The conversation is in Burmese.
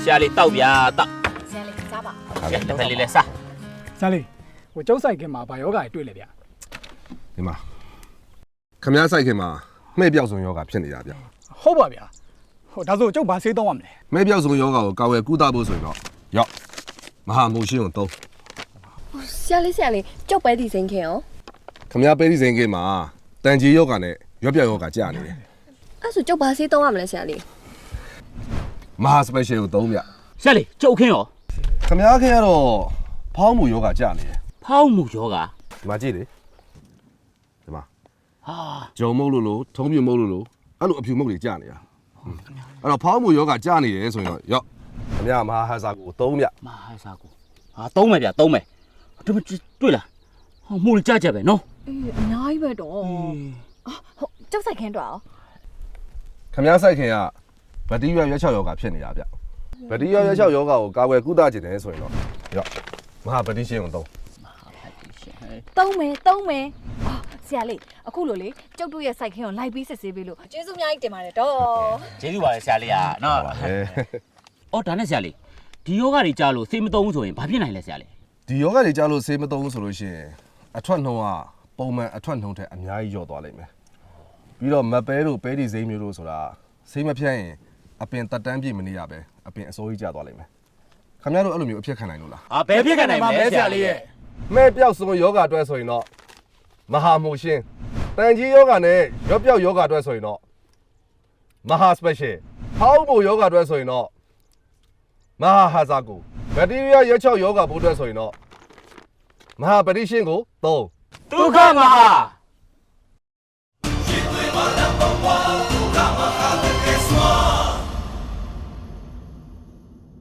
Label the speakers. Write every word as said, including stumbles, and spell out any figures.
Speaker 1: ရှာလေးတောက်ဗျာတောက်
Speaker 2: ဆရာလေးစားပါ
Speaker 1: ကဲတစ်ဖက်လေးလဲစား
Speaker 3: ဆရာလေးဟိုကျုပ်ဆိုင်ခင်မှာဗာယောဂါတွေတွေ့လေဗျာ
Speaker 4: ဒီမှာခမည်းဆိုင်ခင်မှာမှဲ့ပြောက်စုံယောဂဖြစ်နေတာဗျ
Speaker 3: ဟုတ်ပါဗျာဟိုဒါဆိုကျုပ်ဘာဆေးသုံးရမလဲ
Speaker 4: မှဲ့ပြောက်စုံယောဂကိုကာဝယ်ကုသဖို့ဆိုရင်တော့ရောက်မဟာမိုးရှင်းကိုသုံး
Speaker 2: ဆရာလေးဆရာလေးကြောက်ပဲဒီစိန်ခင်ရော
Speaker 4: ခမည်းပဲဒီစိန်ခင်မှာတန်ကြီးယောဂနဲ့ရွက်ပြောက်ယောဂကြာနေတယ်
Speaker 2: အဲ့ဆိုကြောက်ဘာဆေးသုံးရမလဲဆရာလေး
Speaker 4: မဟာစပယ်ရှယ်ကိုသုံးဗျ
Speaker 1: ရှာလေးကျုပ်ခင်းရော
Speaker 4: ခမည်းခင်ကတော့ဖောင်းမှုယောဂကြာနေတယ်
Speaker 1: ဖောင်းမှုယောဂ
Speaker 4: ဒီမှာကြည့်လေဒီမှာ
Speaker 1: ဟာ
Speaker 4: ဂျုံမုတ်လို့လို့ထုံးပြမုတ်လို့လို့အဲ့လိုအဖြူမုတ်တွေကြာနေတာအဲ့တော့ဖောင်းမှုယောဂကြာနေတယ်ဆိုရင်တော့ရောက်ခမည်းမဟာဟဇာကိုသုံးဗျ
Speaker 1: မဟာစားကိုဟာသုံးမယ်ဗျသုံးမယ်ဒီမတွေ့လားဟောမှုကြကြပဲနော်
Speaker 2: အေးအများကြီးပဲတော့ဟုတ်ကြောက်ဆိုင်ခင်တော့
Speaker 4: ခမည်းဆိုင်ခင်ကဗတိရွက်ရွက်ချောက်ယောဂဖြစ်နေတာဗျဗတိရွက်ရွက်ချောက်ယောဂကိုကာဝယ်ကုသခြင်းတယ်ဆိုရင်တော့ရောက်မဟာဗတိရှင်းကိုသုံး
Speaker 2: သုံးမယ်သုံးမယ်အော်ဆရာလေးအခုလိုလေကြောက်တို့ရဲ့ဆိုင်ခင်ကိုလိုက်ပြီးစစ်ဆေးပေးလို့ကျေးဇူးအများကြီးတင်ပါတယ်တော့
Speaker 1: ကျေးဇူးပါလေဆရာလေးอ่ะနော်အော်ဒါနဲ့ဆရာလေးဒီယောဂတွေကြားလို့စေးမသုံးဆိုရင်ဘာဖြစ်နိုင်လဲဆရာလေး
Speaker 4: ဒီယောဂတွေကြားလို့ဆေးမသုံးဆိုလို့ရှိရင်အထွက်နှုံးကပုံမှန်အထွက်နှုံးထက်အများကြီးလျော့သွားလိမ့်မယ်ပြီးတော့မပဲတို့ပဲဒီစိမ်းမျိုးတို့ဆိုတာဆေးမဖြတ်ရင်အပင်တက်တန်းပြည့်မနေရပဲအပင်အစိုးကြီးကျသွားလိမ့်မယ်ခင်ဗျားတို့အဲ့လိုမျိုးအဖြစ်ခံနိုင်လို့လား
Speaker 1: ဟာဘယ်ဖြစ်ခံနိုင်မလဲဆရာလေးရဲ့
Speaker 4: မဲ့ပြောက်စုံယောဂအတွက်ဆိုရင်တော့မဟာမိုရှင်တန်ကြီးယောဂနဲ့ရော့ပြောက်ယောဂအတွက်ဆိုရင်တော့မဟာစပက်ရှယ်ဟောင်းဘိုယောဂအတွက်ဆိုရင်တော့မဟာဟာဇာကိုဘက်တီးရီးယားရက်ချောက်ယောဂဘိုးအတွက်ဆိုရင်တော့မဟာပတိရှင်းကိုသုံး
Speaker 1: ဒုက္ခမဟာ